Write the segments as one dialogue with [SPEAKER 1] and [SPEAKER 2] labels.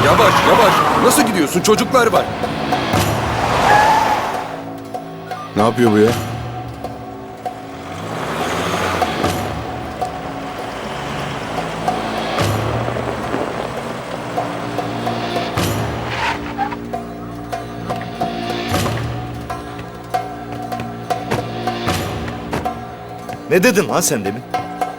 [SPEAKER 1] Yavaş yavaş. Nasıl gidiyorsun? Çocuklar var.
[SPEAKER 2] Ne yapıyor bu ya?
[SPEAKER 3] Ne dedin lan sen demin?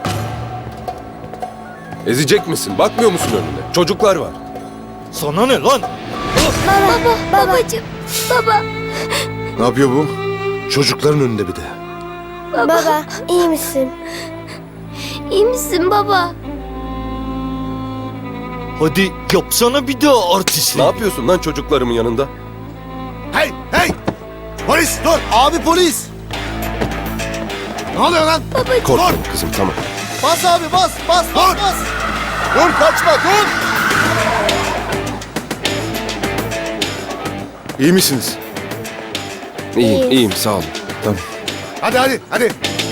[SPEAKER 1] Ezecek misin? Bakmıyor musun önüne? Çocuklar var.
[SPEAKER 3] Sana ne lan?
[SPEAKER 4] Babacığım, baba,
[SPEAKER 2] Ne yapıyor bu? Çocukların önünde bir de.
[SPEAKER 4] baba, iyi misin? İyi misin baba?
[SPEAKER 3] Hadi yapsana bir daha artistlik.
[SPEAKER 1] Ne yapıyorsun lan çocuklarımın yanında?
[SPEAKER 5] Hey hey! Polis dur! Abi polis! Ne oluyor lan?
[SPEAKER 1] Korkma kızım, tamam.
[SPEAKER 5] Bas abi bas bas bas bas! Dur kaçma dur!
[SPEAKER 2] İyi misiniz?
[SPEAKER 1] İyiyim, iyiyim, sağ olun.
[SPEAKER 2] Tamam.
[SPEAKER 5] Hadi hadi hadi!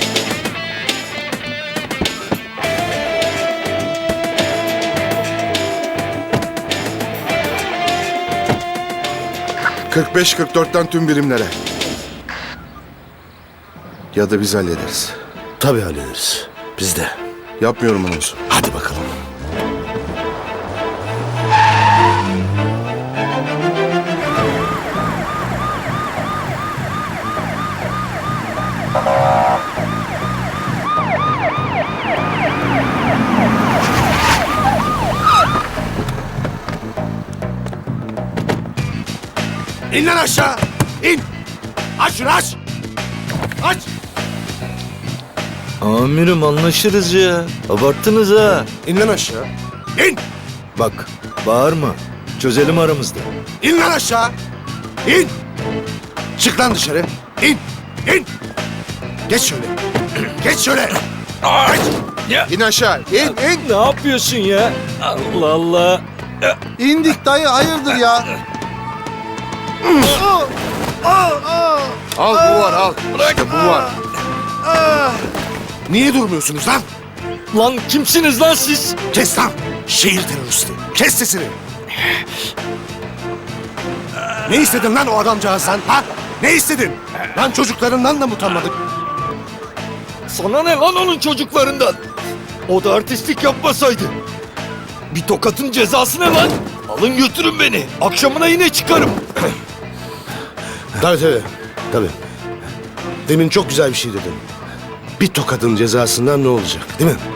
[SPEAKER 2] ...45-44'ten tüm birimlere. Ya da biz hallederiz.
[SPEAKER 5] Tabii hallederiz. Biz de.
[SPEAKER 2] Yapmıyorum anonsu.
[SPEAKER 5] Hadi bakalım. İn lan aşağı! İn! Aç şunu aç! Aç!
[SPEAKER 3] Amirim anlaşırız ya. Abarttınız ha.
[SPEAKER 2] İn lan aşağı.
[SPEAKER 5] İn!
[SPEAKER 3] Bak bağırma. Çözelim aramızda.
[SPEAKER 5] İn lan aşağı! İn! Çık lan dışarı! İn! İn! Geç şöyle! Geç şöyle! Geç!
[SPEAKER 2] İn aşağı. İn.
[SPEAKER 3] Ne yapıyorsun ya? Allah Allah.
[SPEAKER 5] İndik dayı hayırdır ya?
[SPEAKER 2] Al bu var al. İşte bu var.
[SPEAKER 5] Niye durmuyorsunuz lan?
[SPEAKER 3] Lan kimsiniz lan siz?
[SPEAKER 5] Kes lan! Şehir teröristi! Kes sesini! Ne istedin lan o adamcağızdan ha? Ne istedin? Lan çocuklarından da mı utanmadın?
[SPEAKER 3] Sana ne lan onun çocuklarından? O da artistlik yapmasaydı. Bir tokatın cezası ne lan? Alın götürün beni. Akşamına yine çıkarım.
[SPEAKER 5] Tabii. Tabii. Demin çok güzel bir şey dedin. Bir tokadın cezasından ne olacak değil mi?